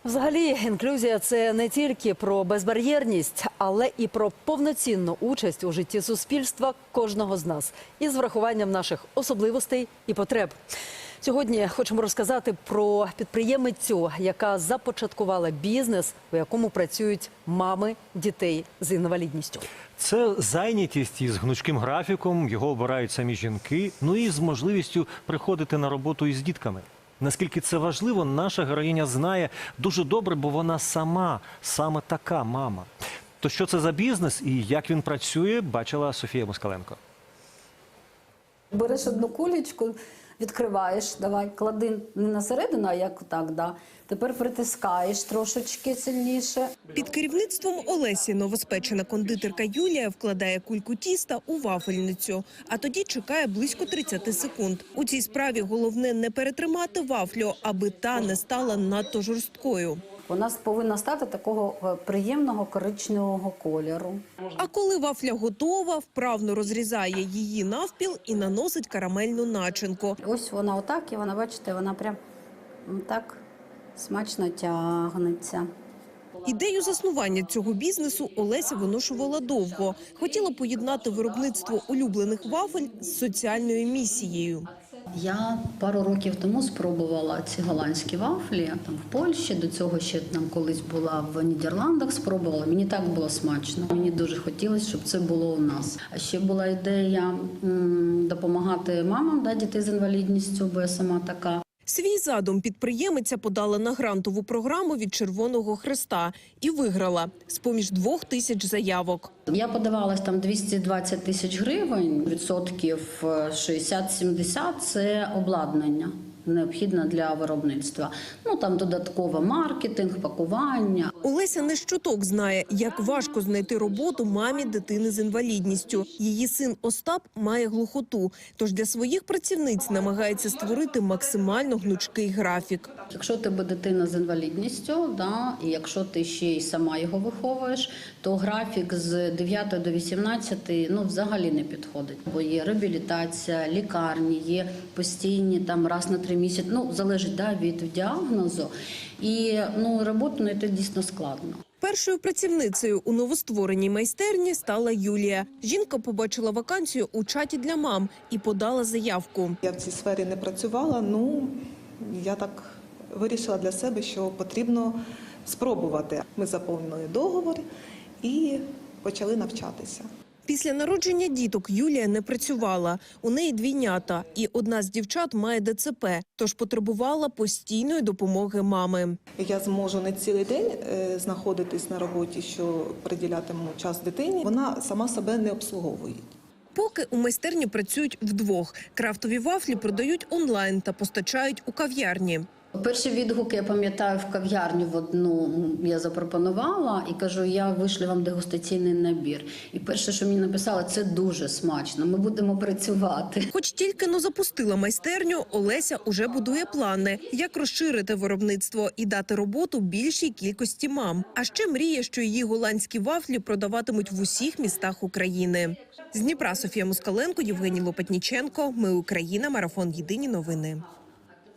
Взагалі, інклюзія – це не тільки про безбар'єрність, але і про повноцінну участь у житті суспільства кожного з нас із врахуванням наших особливостей і потреб. Сьогодні хочемо розказати про підприємицю, яка започаткувала бізнес, у якому працюють мами дітей з інвалідністю. Це зайнятість із гнучким графіком, його обирають самі жінки, ну і з можливістю приходити на роботу із дітками. Наскільки це важливо, наша героїня знає дуже добре, бо вона саме така мама. То що це за бізнес і як він працює, бачила Софія Москаленко. Береш одну кулечку, відкриваєш, давай, клади не на середину, а як так, да. Тепер притискаєш трошечки сильніше. Під керівництвом Олесі новоспечена кондитерка Юлія вкладає кульку тіста у вафельницю, а тоді чекає близько 30 секунд. У цій справі головне не перетримати вафлю, аби та не стала надто жорсткою. Вона повинна стати такого приємного коричневого кольору. А коли вафля готова, вправно розрізає її навпіл і наносить карамельну начинку. Ось вона отак, і вона, бачите, вона прям так смачно тягнеться. Ідею заснування цього бізнесу Олеся виношувала довго. Хотіла поєднати виробництво улюблених вафель з соціальною місією. Я пару років тому спробувала ці голландські вафлі там в Польщі, до цього ще там колись була в Нідерландах, спробувала. Мені так було смачно. Мені дуже хотілося, щоб це було у нас. А ще була ідея допомагати мамам, дітей з інвалідністю, бо я сама така. Свій задум підприємиця подала на грантову програму від Червоного Хреста і виграла з-поміж 2000 заявок. Я подавалась там 220 тисяч гривень, відсотків 60-70 – це обладнання необхідне для виробництва. Ну там додатково маркетинг, пакування. Олеся не щоток знає, як важко знайти роботу мамі дитини з інвалідністю. Її син Остап має глухоту, тож для своїх працівниць намагається створити максимально гнучкий графік. Якщо у тебе дитина з інвалідністю, і якщо ти ще й сама його виховуєш, то графік з 9 до 18 взагалі не підходить. Бо є реабілітація, лікарні, є постійні там раз на 3 місяці, залежить від діагнозу. І роботу знайти дійсно складно. Першою працівницею у новоствореній майстерні стала Юлія. Жінка побачила вакансію у чаті для мам і подала заявку. Я в цій сфері не працювала, я так вирішила для себе, що потрібно спробувати. Ми заповнили договір і почали навчатися. Після народження діток Юлія не працювала. У неї двійнята, і одна з дівчат має ДЦП, тож потребувала постійної допомоги мами. Я зможу не цілий день знаходитись на роботі, що приділятиму час дитині. Вона сама себе не обслуговує. Поки у майстерні працюють вдвох. Крафтові вафлі продають онлайн та постачають у кав'ярні. Перші відгуки, я пам'ятаю, в кав'ярню в одну я запропонувала і кажу, я вишлю вам дегустаційний набір. І перше, що мені написали, це дуже смачно, ми будемо працювати. Хоч тільки запустила майстерню, Олеся уже будує плани, як розширити виробництво і дати роботу більшій кількості мам. А ще мріє, що її голландські вафлі продаватимуть в усіх містах України. З Дніпра Софія Москаленко, Євгеній Лопатніченко. Ми Україна. Марафон. Єдині новини.